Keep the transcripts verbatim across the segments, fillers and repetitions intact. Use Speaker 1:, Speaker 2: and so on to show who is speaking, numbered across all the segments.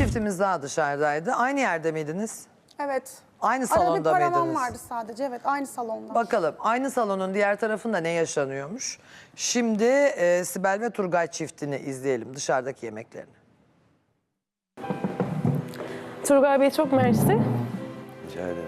Speaker 1: çiftimiz daha dışarıdaydı. Aynı yerde miydiniz?
Speaker 2: Evet.
Speaker 1: Aynı
Speaker 2: Arada
Speaker 1: salonda
Speaker 2: bir paravan
Speaker 1: mıydınız?
Speaker 2: vardı sadece. Evet, aynı salonda.
Speaker 1: Bakalım aynı salonun diğer tarafında ne yaşanıyormuş? Şimdi e, Sibel ve Turgay çiftini izleyelim, dışarıdaki yemeklerini.
Speaker 3: Turgay Bey çok mersi.
Speaker 4: Rica ederim.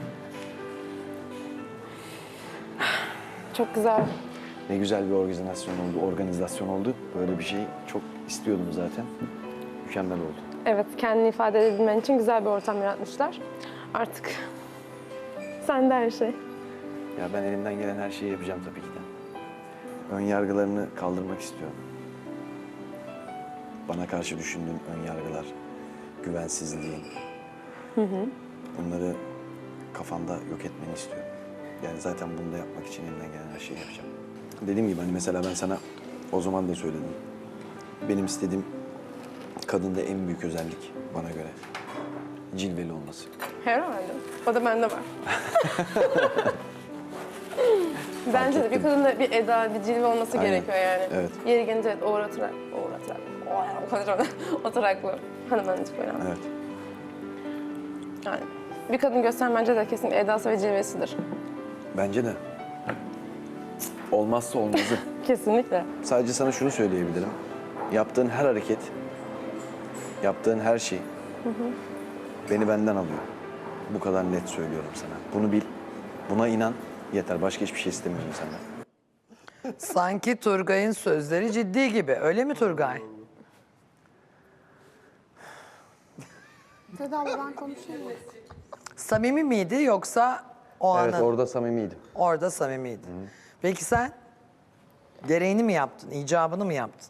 Speaker 3: Çok güzel.
Speaker 4: Ne güzel bir organizasyon oldu, organizasyon oldu. Böyle bir şey çok istiyordum zaten. Mükemmel oldu.
Speaker 3: Evet, kendini ifade edebilmen için güzel bir ortam yaratmışlar. Artık sende her şey.
Speaker 4: Ya ben elimden gelen her şeyi yapacağım tabii ki de. Ön yargılarını kaldırmak istiyorum. Bana karşı düşündüğüm ön yargılar, güvensizliğin. Hı hı. Bunları kafanda yok etmeni istiyorum. Yani zaten bunu da yapmak için elimden gelen her şeyi yapacağım. Dediğim gibi hani mesela ben sana o zaman da söyledim. Benim istediğim kadında en büyük özellik bana göre cilveli olması.
Speaker 3: Herhalde. O da bende var. Bence de bir kadında bir eda, bir cilve olması
Speaker 4: Aynen.
Speaker 3: gerekiyor yani.
Speaker 4: Evet.
Speaker 3: Yeri gelince evet, uğratarak, uğratarak, o konuşamadım. Oturaklı. Hanımefendi önemli.
Speaker 4: Evet.
Speaker 3: Yani bir kadın gösteren bence de kesinlikle edası ve cilvesidir.
Speaker 4: Bence de. Olmazsa olmazı.
Speaker 3: Kesinlikle.
Speaker 4: Sadece sana şunu söyleyebilirim. Yaptığın her hareket, yaptığın her şey hı hı. beni benden alıyor. Bu kadar net söylüyorum sana. Bunu bil, buna inan yeter. Başka hiçbir şey istemiyorum senden.
Speaker 1: Sanki Turgay'ın sözleri ciddi gibi. Öyle mi Turgay?
Speaker 2: Seda abla ben konuşayım mı?
Speaker 1: Samimi miydi yoksa o
Speaker 4: Evet,
Speaker 1: anın?
Speaker 4: orada samimiydim.
Speaker 1: Orada samimiydi. Peki sen gereğini mi yaptın, icabını mı yaptın?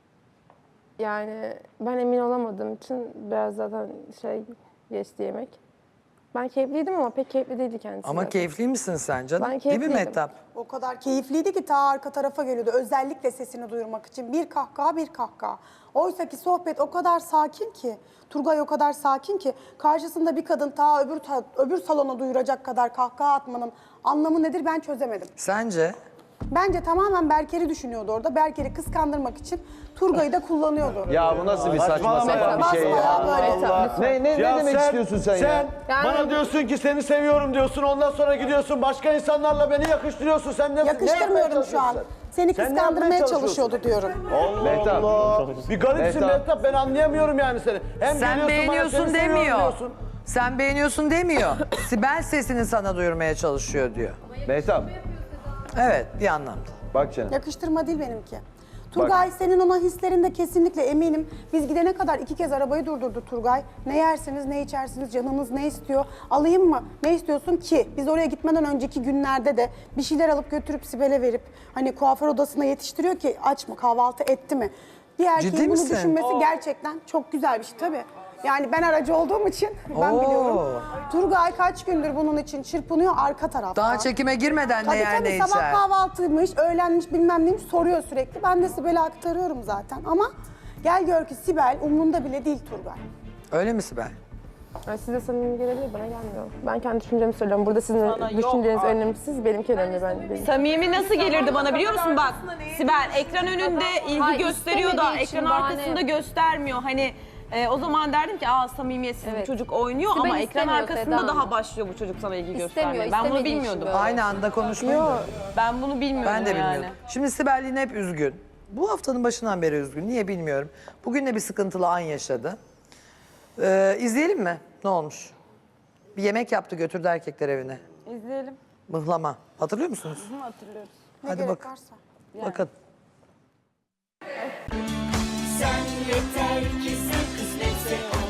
Speaker 3: Yani ben emin olamadığım için biraz zaten şey geçti yemek. Ben keyifliydim ama pek keyifli değildi kendisi.
Speaker 1: Ama
Speaker 3: zaten.
Speaker 1: keyifli misin sen canım?
Speaker 3: Ben
Speaker 1: Değil mi
Speaker 3: keyifliydim.
Speaker 1: Mehtap?
Speaker 2: O kadar keyifliydi ki ta arka tarafa geliyordu. Özellikle sesini duyurmak için. Bir kahkaha, bir kahkaha. Oysa ki sohbet o kadar sakin ki, Turgay o kadar sakin ki, karşısında bir kadın ta öbür, ta, öbür salona duyuracak kadar kahkaha atmanın anlamı nedir ben çözemedim.
Speaker 1: Sence?
Speaker 2: Bence tamamen Berker'i düşünüyordu orada. Berker'i kıskandırmak için Turgay'ı da kullanıyordu.
Speaker 5: Ya bu nasıl bir saçma sapan bir şey ya?
Speaker 2: Basbayağı böyle.
Speaker 5: Ne, ne,
Speaker 6: Ya
Speaker 5: ne demek
Speaker 6: sen-
Speaker 5: istiyorsun sen, ya?
Speaker 3: Yani-
Speaker 6: bana diyorsun ki seni seviyorum diyorsun. Ondan sonra gidiyorsun başka insanlarla beni yakıştırıyorsun. Sen ne, ne yapmaya
Speaker 2: Yakıştırmıyorum şu an.
Speaker 6: çalışıyorsun
Speaker 2: Seni
Speaker 6: Sen ne
Speaker 2: kıskandırmaya
Speaker 6: yapmaya
Speaker 2: çalışıyordu diyorum.
Speaker 6: sen? Allah
Speaker 5: Mehtap.
Speaker 6: Allah. Bir garipsin
Speaker 5: Mehtap.
Speaker 6: Mehtap. Ben anlayamıyorum yani seni. Hem
Speaker 1: Sen
Speaker 6: geliyorsun bana
Speaker 1: beğeniyorsun
Speaker 6: seni seviyorum
Speaker 1: demiyor.
Speaker 6: diyorsun.
Speaker 1: Sen beğeniyorsun demiyor. Sibel sesini sana duyurmaya çalışıyor diyor.
Speaker 5: Mehtap,
Speaker 1: Evet, bir anlamda.
Speaker 5: bak canım.
Speaker 2: Yakıştırma değil benimki. Turgay senin ona hislerinde kesinlikle eminim. Biz gidene kadar iki kez arabayı durdurdu Turgay. Ne yersiniz, ne içersiniz, canınız ne istiyor? Alayım mı? Ne istiyorsun ki? Biz oraya gitmeden önceki günlerde de bir şeyler alıp götürüp Sibel'e verip hani kuaför odasına yetiştiriyor ki aç mı, kahvaltı etti mi? Bir erkeğin
Speaker 1: Ciddi
Speaker 2: bunu
Speaker 1: misin?
Speaker 2: düşünmesi gerçekten çok güzel bir şey tabii. Yani ben aracı olduğum için ben
Speaker 1: Oo.
Speaker 2: biliyorum. Turgay kaç gündür bunun için çırpınıyor arka tarafta.
Speaker 1: Daha çekime girmeden ne
Speaker 2: Tabii
Speaker 1: yer
Speaker 2: tabii
Speaker 1: ne
Speaker 2: sabah
Speaker 1: içer.
Speaker 2: kahvaltıymış, öğlenmiş bilmem neymiş soruyor sürekli. Ben de Sibel'e aktarıyorum zaten ama gel gör ki Sibel umrunda bile değil Turgay.
Speaker 1: Öyle mi Sibel?
Speaker 3: Yani size samimi gelebilir, bana gelmiyor. Ben kendi düşüncemi söylüyorum. Burada sizin düşünceniz önemsiz, benimki önemli. Ben, benim.
Speaker 7: Samimi nasıl gelirdi bana biliyor musun? Bak Sibel ekran önünde ilgi
Speaker 8: Hayır,
Speaker 7: gösteriyor da
Speaker 8: istemediği için
Speaker 7: ekran
Speaker 8: bahane.
Speaker 7: arkasında göstermiyor. Hani e, o zaman derdim ki aa samimiyetsiz
Speaker 8: Evet.
Speaker 7: bu çocuk oynuyor
Speaker 8: Sibel
Speaker 7: ama ekran
Speaker 8: istemiyor
Speaker 7: arkasında
Speaker 8: Seda
Speaker 7: daha
Speaker 8: Hanım.
Speaker 7: başlıyor bu çocuk sana ilgi
Speaker 8: İstemiyor,
Speaker 7: göstermeye. Ben bunu
Speaker 8: istemediği için
Speaker 7: bilmiyordum.
Speaker 8: böyle.
Speaker 1: Aynı anda konuşmayın. da.
Speaker 7: Ben bunu bilmiyordum
Speaker 1: Ben de
Speaker 7: yani.
Speaker 1: bilmiyordum. Şimdi Sibel yine hep üzgün. Bu haftanın başından beri üzgün. Niye bilmiyorum. Bugün de bir sıkıntılı an yaşadı. Ee, izleyelim mi? Ne olmuş? Bir yemek yaptı götürdü erkekler evine.
Speaker 7: İzleyelim.
Speaker 1: Mıhlama. Hatırlıyor musunuz?
Speaker 7: Hatırlıyoruz.
Speaker 2: Ne
Speaker 1: Hadi
Speaker 2: gerek
Speaker 1: bak.
Speaker 2: varsa.
Speaker 1: Bakın.
Speaker 9: Sen yeter ki sen kısmetse